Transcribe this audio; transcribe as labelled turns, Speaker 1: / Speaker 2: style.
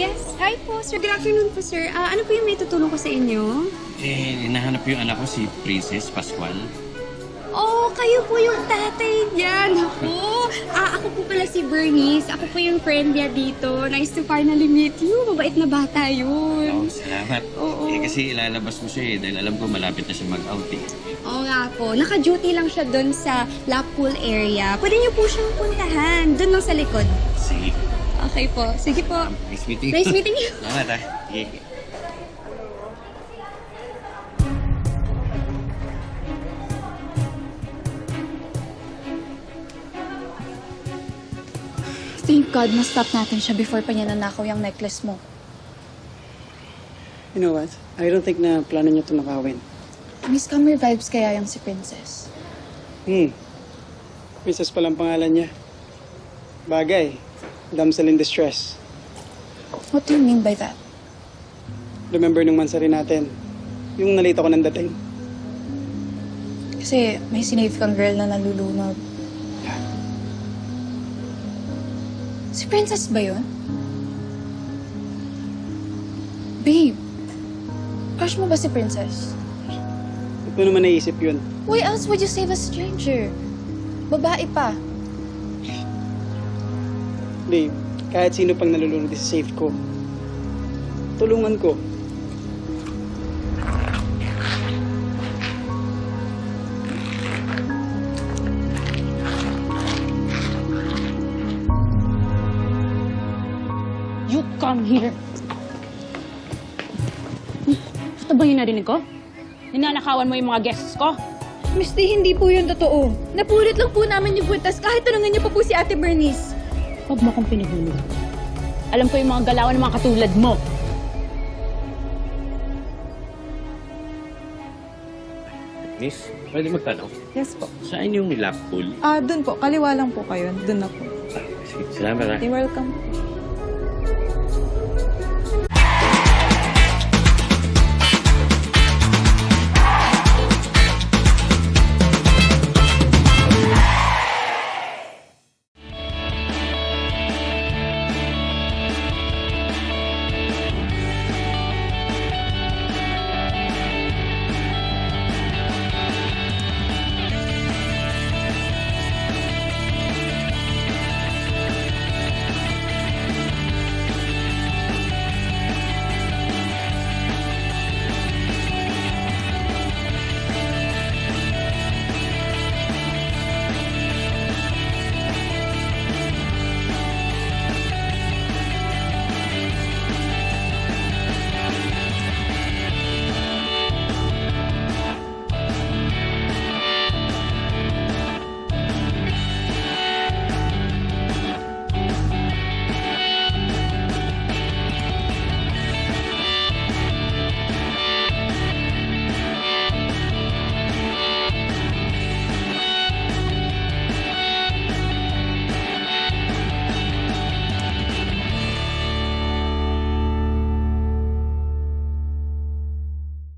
Speaker 1: Yes. Hi po, sir. Good afternoon po, sir. Ano po yung may tutulong ko sa inyo?
Speaker 2: Hinahanap yung anak ko, si Princess Pascual.
Speaker 1: Oh, kayo po yung tatay niya. Naku. Ako po pala si Bernice. Ako po yung friend niya dito. Nice to finally meet you. Mabait na bata yun.
Speaker 2: Salamat.
Speaker 1: Oo.
Speaker 2: Kasi ilalabas ko siya dahil alam ko malapit na siya mag-out
Speaker 1: Oo nga po. Naka-duty lang siya doon sa lap pool area. Pwede niyo po siyang puntahan. Doon lang sa likod.
Speaker 2: Sige.
Speaker 1: Okay po. Sige po.
Speaker 2: Nice meeting you.
Speaker 1: Nice meeting you.
Speaker 2: Salamat Sige.
Speaker 3: Thank God, na-stop natin siya before pa niya nanakaw yung necklace mo.
Speaker 4: You know what? I don't think na plano niya ito nakawin.
Speaker 3: Miss Camera vibes kaya yung si Princess.
Speaker 4: Princess palang pangalan niya. Bagay. Damsel in distress.
Speaker 3: What do you mean by that?
Speaker 4: Remember nung mansari natin? Yung nalito ko ng dating.
Speaker 3: Kasi may sinave kang girl na nalulunod. Si Princess ba yun? Babe, crush mo ba si Princess?
Speaker 4: Ba't mo naman naisip yun?
Speaker 3: Why else would you save a stranger? Babae pa.
Speaker 4: Babe, kahit sino pang nalulunod sa safe ko. Tulungan ko.
Speaker 5: You come here. Ito ba yung narinig ko? Ninanakawan mo yung mga guests ko?
Speaker 6: Misty, hindi po yun totoo. Napulit lang po namin yung butas kahit tanungin niyo pa po si Ate Bernice.
Speaker 5: Huwag mo akong pinahulog. Alam ko yung mga galawan ng mga katulad mo.
Speaker 2: Miss, pwede magtanong?
Speaker 7: Yes po.
Speaker 2: Saan yung lap pool?
Speaker 7: Dun po. Kaliwa lang po kayo. Dun na po.
Speaker 2: Sige, salamat
Speaker 7: You're welcome.